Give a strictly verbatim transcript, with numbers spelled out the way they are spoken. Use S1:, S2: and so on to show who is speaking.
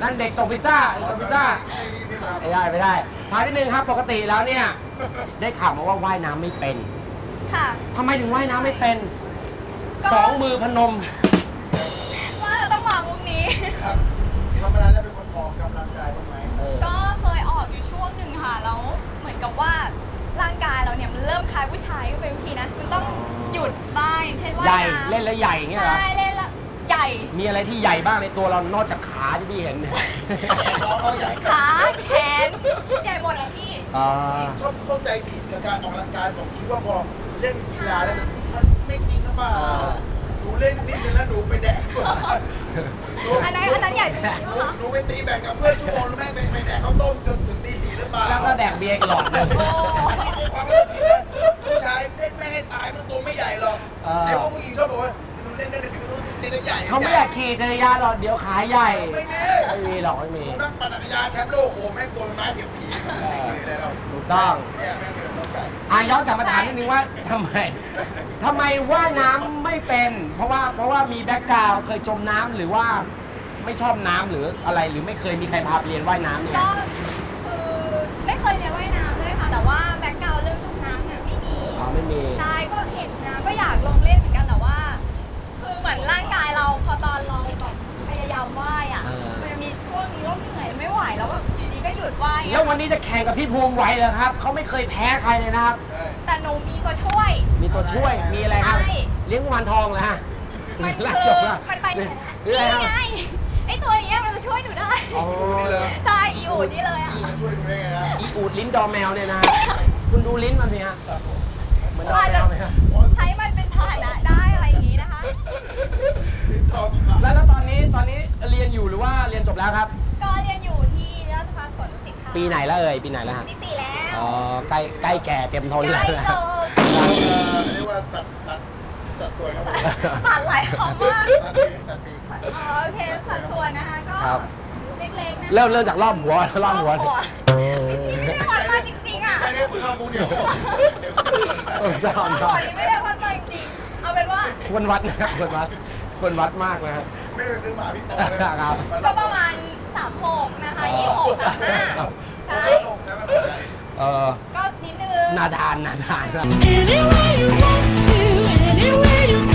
S1: นั่นเด็กส่งพิซซ่าส่งพิซซ่าไม่ได้ไม่ได้ถามนิดนึงครับปกติแล้วเนี่ยได้ข่าวมาว่าว่ายน้ำไม่เป็น
S2: ค่ะ
S1: ทำไมถึงว่ายน้ำไม่เป็นสองมือพนม
S2: ว่าจะต้องมามุกนี้
S3: ครับธรรมดาแล้วเป็นคนออกกำลังกายบ้างไหม
S2: ก็เคยออกอยู่ช่วงหนึ่งค่ะแล้วเหมือนกับว่าร่างกายเราเนี่ยมันเริ่มคล้ายผู้ชายก็เป็นวิธีนะมันต้องหยุดบ้างอย่างเช่นว่ายน้ำ
S1: ใหญ่เล่นแล้วใหญ่เงี้ยเหรอ
S2: ใช่เล่นแล้วใหญ่
S1: มีอะไรที่ใหญ่บ้างในตัวเรานอกจากขาที่พี่เห็น
S2: ขาแขนใหญ่หมดเลยพี่
S3: ชอบเข้าใจผิดกับการออกกำลังกายบอกคิดว่าพอเล่นกีฬาแล้วมันไม่จริงหรือเปล่าหนูเล่นนิดนึงแล้วหนูไปแดกกว่า
S2: อันนั้นอันนั้นใหญ่จริง
S3: หนูไปตีแบดกับเพื่อนชั่วโมงแล้วแม่ไปแดกข้าวต้มจนถึงตีสี่หรือเปล่า
S1: แล้วก็แดกเบียร์กันหลอดเลย
S3: นี่คือความเข้าใจผิดนะผู้ชายเล่นแม่ให้ตายมันตัวไม่ใหญ่หรอกไอ้พวกผู้หญิงชอบบอกว่าหนูเล่นเล่นเล่นตีตัวใหญ่
S1: เขาไม่อยากขี่จักรยานหรอกเดี๋ยวขาใหญ่
S3: ไม่มี
S1: ไม่มีหรอกไม่มี
S3: นั่งปั่นจักรยานแชมป์โลกโหแม่งตัวไม้เสียบผี
S1: ถูกต้องอ่ะย้อนกลับมาถามนิดนึงว่าทำไมทำไมว่ายน้ำไม่เป็นเพราะว่าเพราะว่ามีแบ็คกราวด์เคยจมน้ำหรือว่าไม่ชอบน้ำหรืออะไรหรือไม่เคยมีใครพาไปเรียนว่ายน้ำเนี่ย
S2: ก็คือไม่เคยเรียนว่ายน้ำเลยค่ะแต่ว่าแบ็คกราวด์เรื่องจมน้ำเนี่ยไม่มี
S1: อ๋อไม่มี
S2: ใช่ก็เห็นนะก็อยากลงเล่นเหมือนกันแต่ว่าคือเหมือนร่างกายเราพอตอนเราแบบพยายามว่ายอ่ะมันจะมีช่วงนี้เราเหนื่อยไม่ไหวแล้วแบบอยู่ดีก็หยุดว่าย
S1: แล้ววันนี้จะแข่งกับพี่ภูมิไหวเหรอครับเขาไม่เคยแพ้ใครเลยนะครับ
S2: แต่หนูมีตัวช่วย
S1: มีตัวช่วยมีอะไรครับเลี้ยงกุมารทองเหรอฮะ
S2: มันคือมันไปนี่ไงไอตัวนี้มันจะช่วยหนูได้
S3: อีอูดนี่เลย
S2: ใช่อีอูดนี่เลยอ่ะ
S3: ช่วยหนูได้ไงนะ
S1: อีอูดลิ้นดอแมวเนี่ยนะคุณดูลิ้นมันสิฮะเหมือนดอแมวไหมฮะ
S2: ใช้มันเป็นพาหนะได้อะไรอย่างนี้นะคะ
S1: แล้วแล้วตอนนี้ตอนนี้เรียนอยู่หรือว่าเรียนจบแล้วครับ
S2: ก็เรียนอยู่ที่ราชภัฏสวนดุสิตค่ะ
S1: ปีไหนแล้วเอ่ยปีไหนแล้วฮะ
S2: ปีสี่แล้ว
S1: อ๋อใกล้ใกล้แก่เต็มทนแล้ว
S2: ใกล้จบ
S3: เรียกว่าสัตว์สัตว์สัตว์สวยครับผม
S2: สัตว์หลายคำมาก
S3: สัตว์ปีสัตว์ปี
S2: อ๋อโอเคสัตว์สวยนะคะก็เล็กๆนะ
S1: เริ่มเริ่มจากรอบหัวรอบหัว
S2: ที่ไม่ได้วัดมาจริงๆอ่ะ
S3: ไม่ได้ผมชอบมูเดียว
S1: ชอบชอบ
S2: ไม่ได้วัดมาจริงเอาเป็นว่า
S1: ควรวัดนะครับควรวัดควรวัดมากนะครับ
S3: ไม่ได้ซื้อหมาพี่ปอเลย
S1: ครับ
S2: ก็ประมาณสามหกนะคะยี่หกสามห้าใช่
S1: เออ
S2: ก็นิดนึง
S1: นาดานนาดาน
S4: Anywhere you want to, anywhere you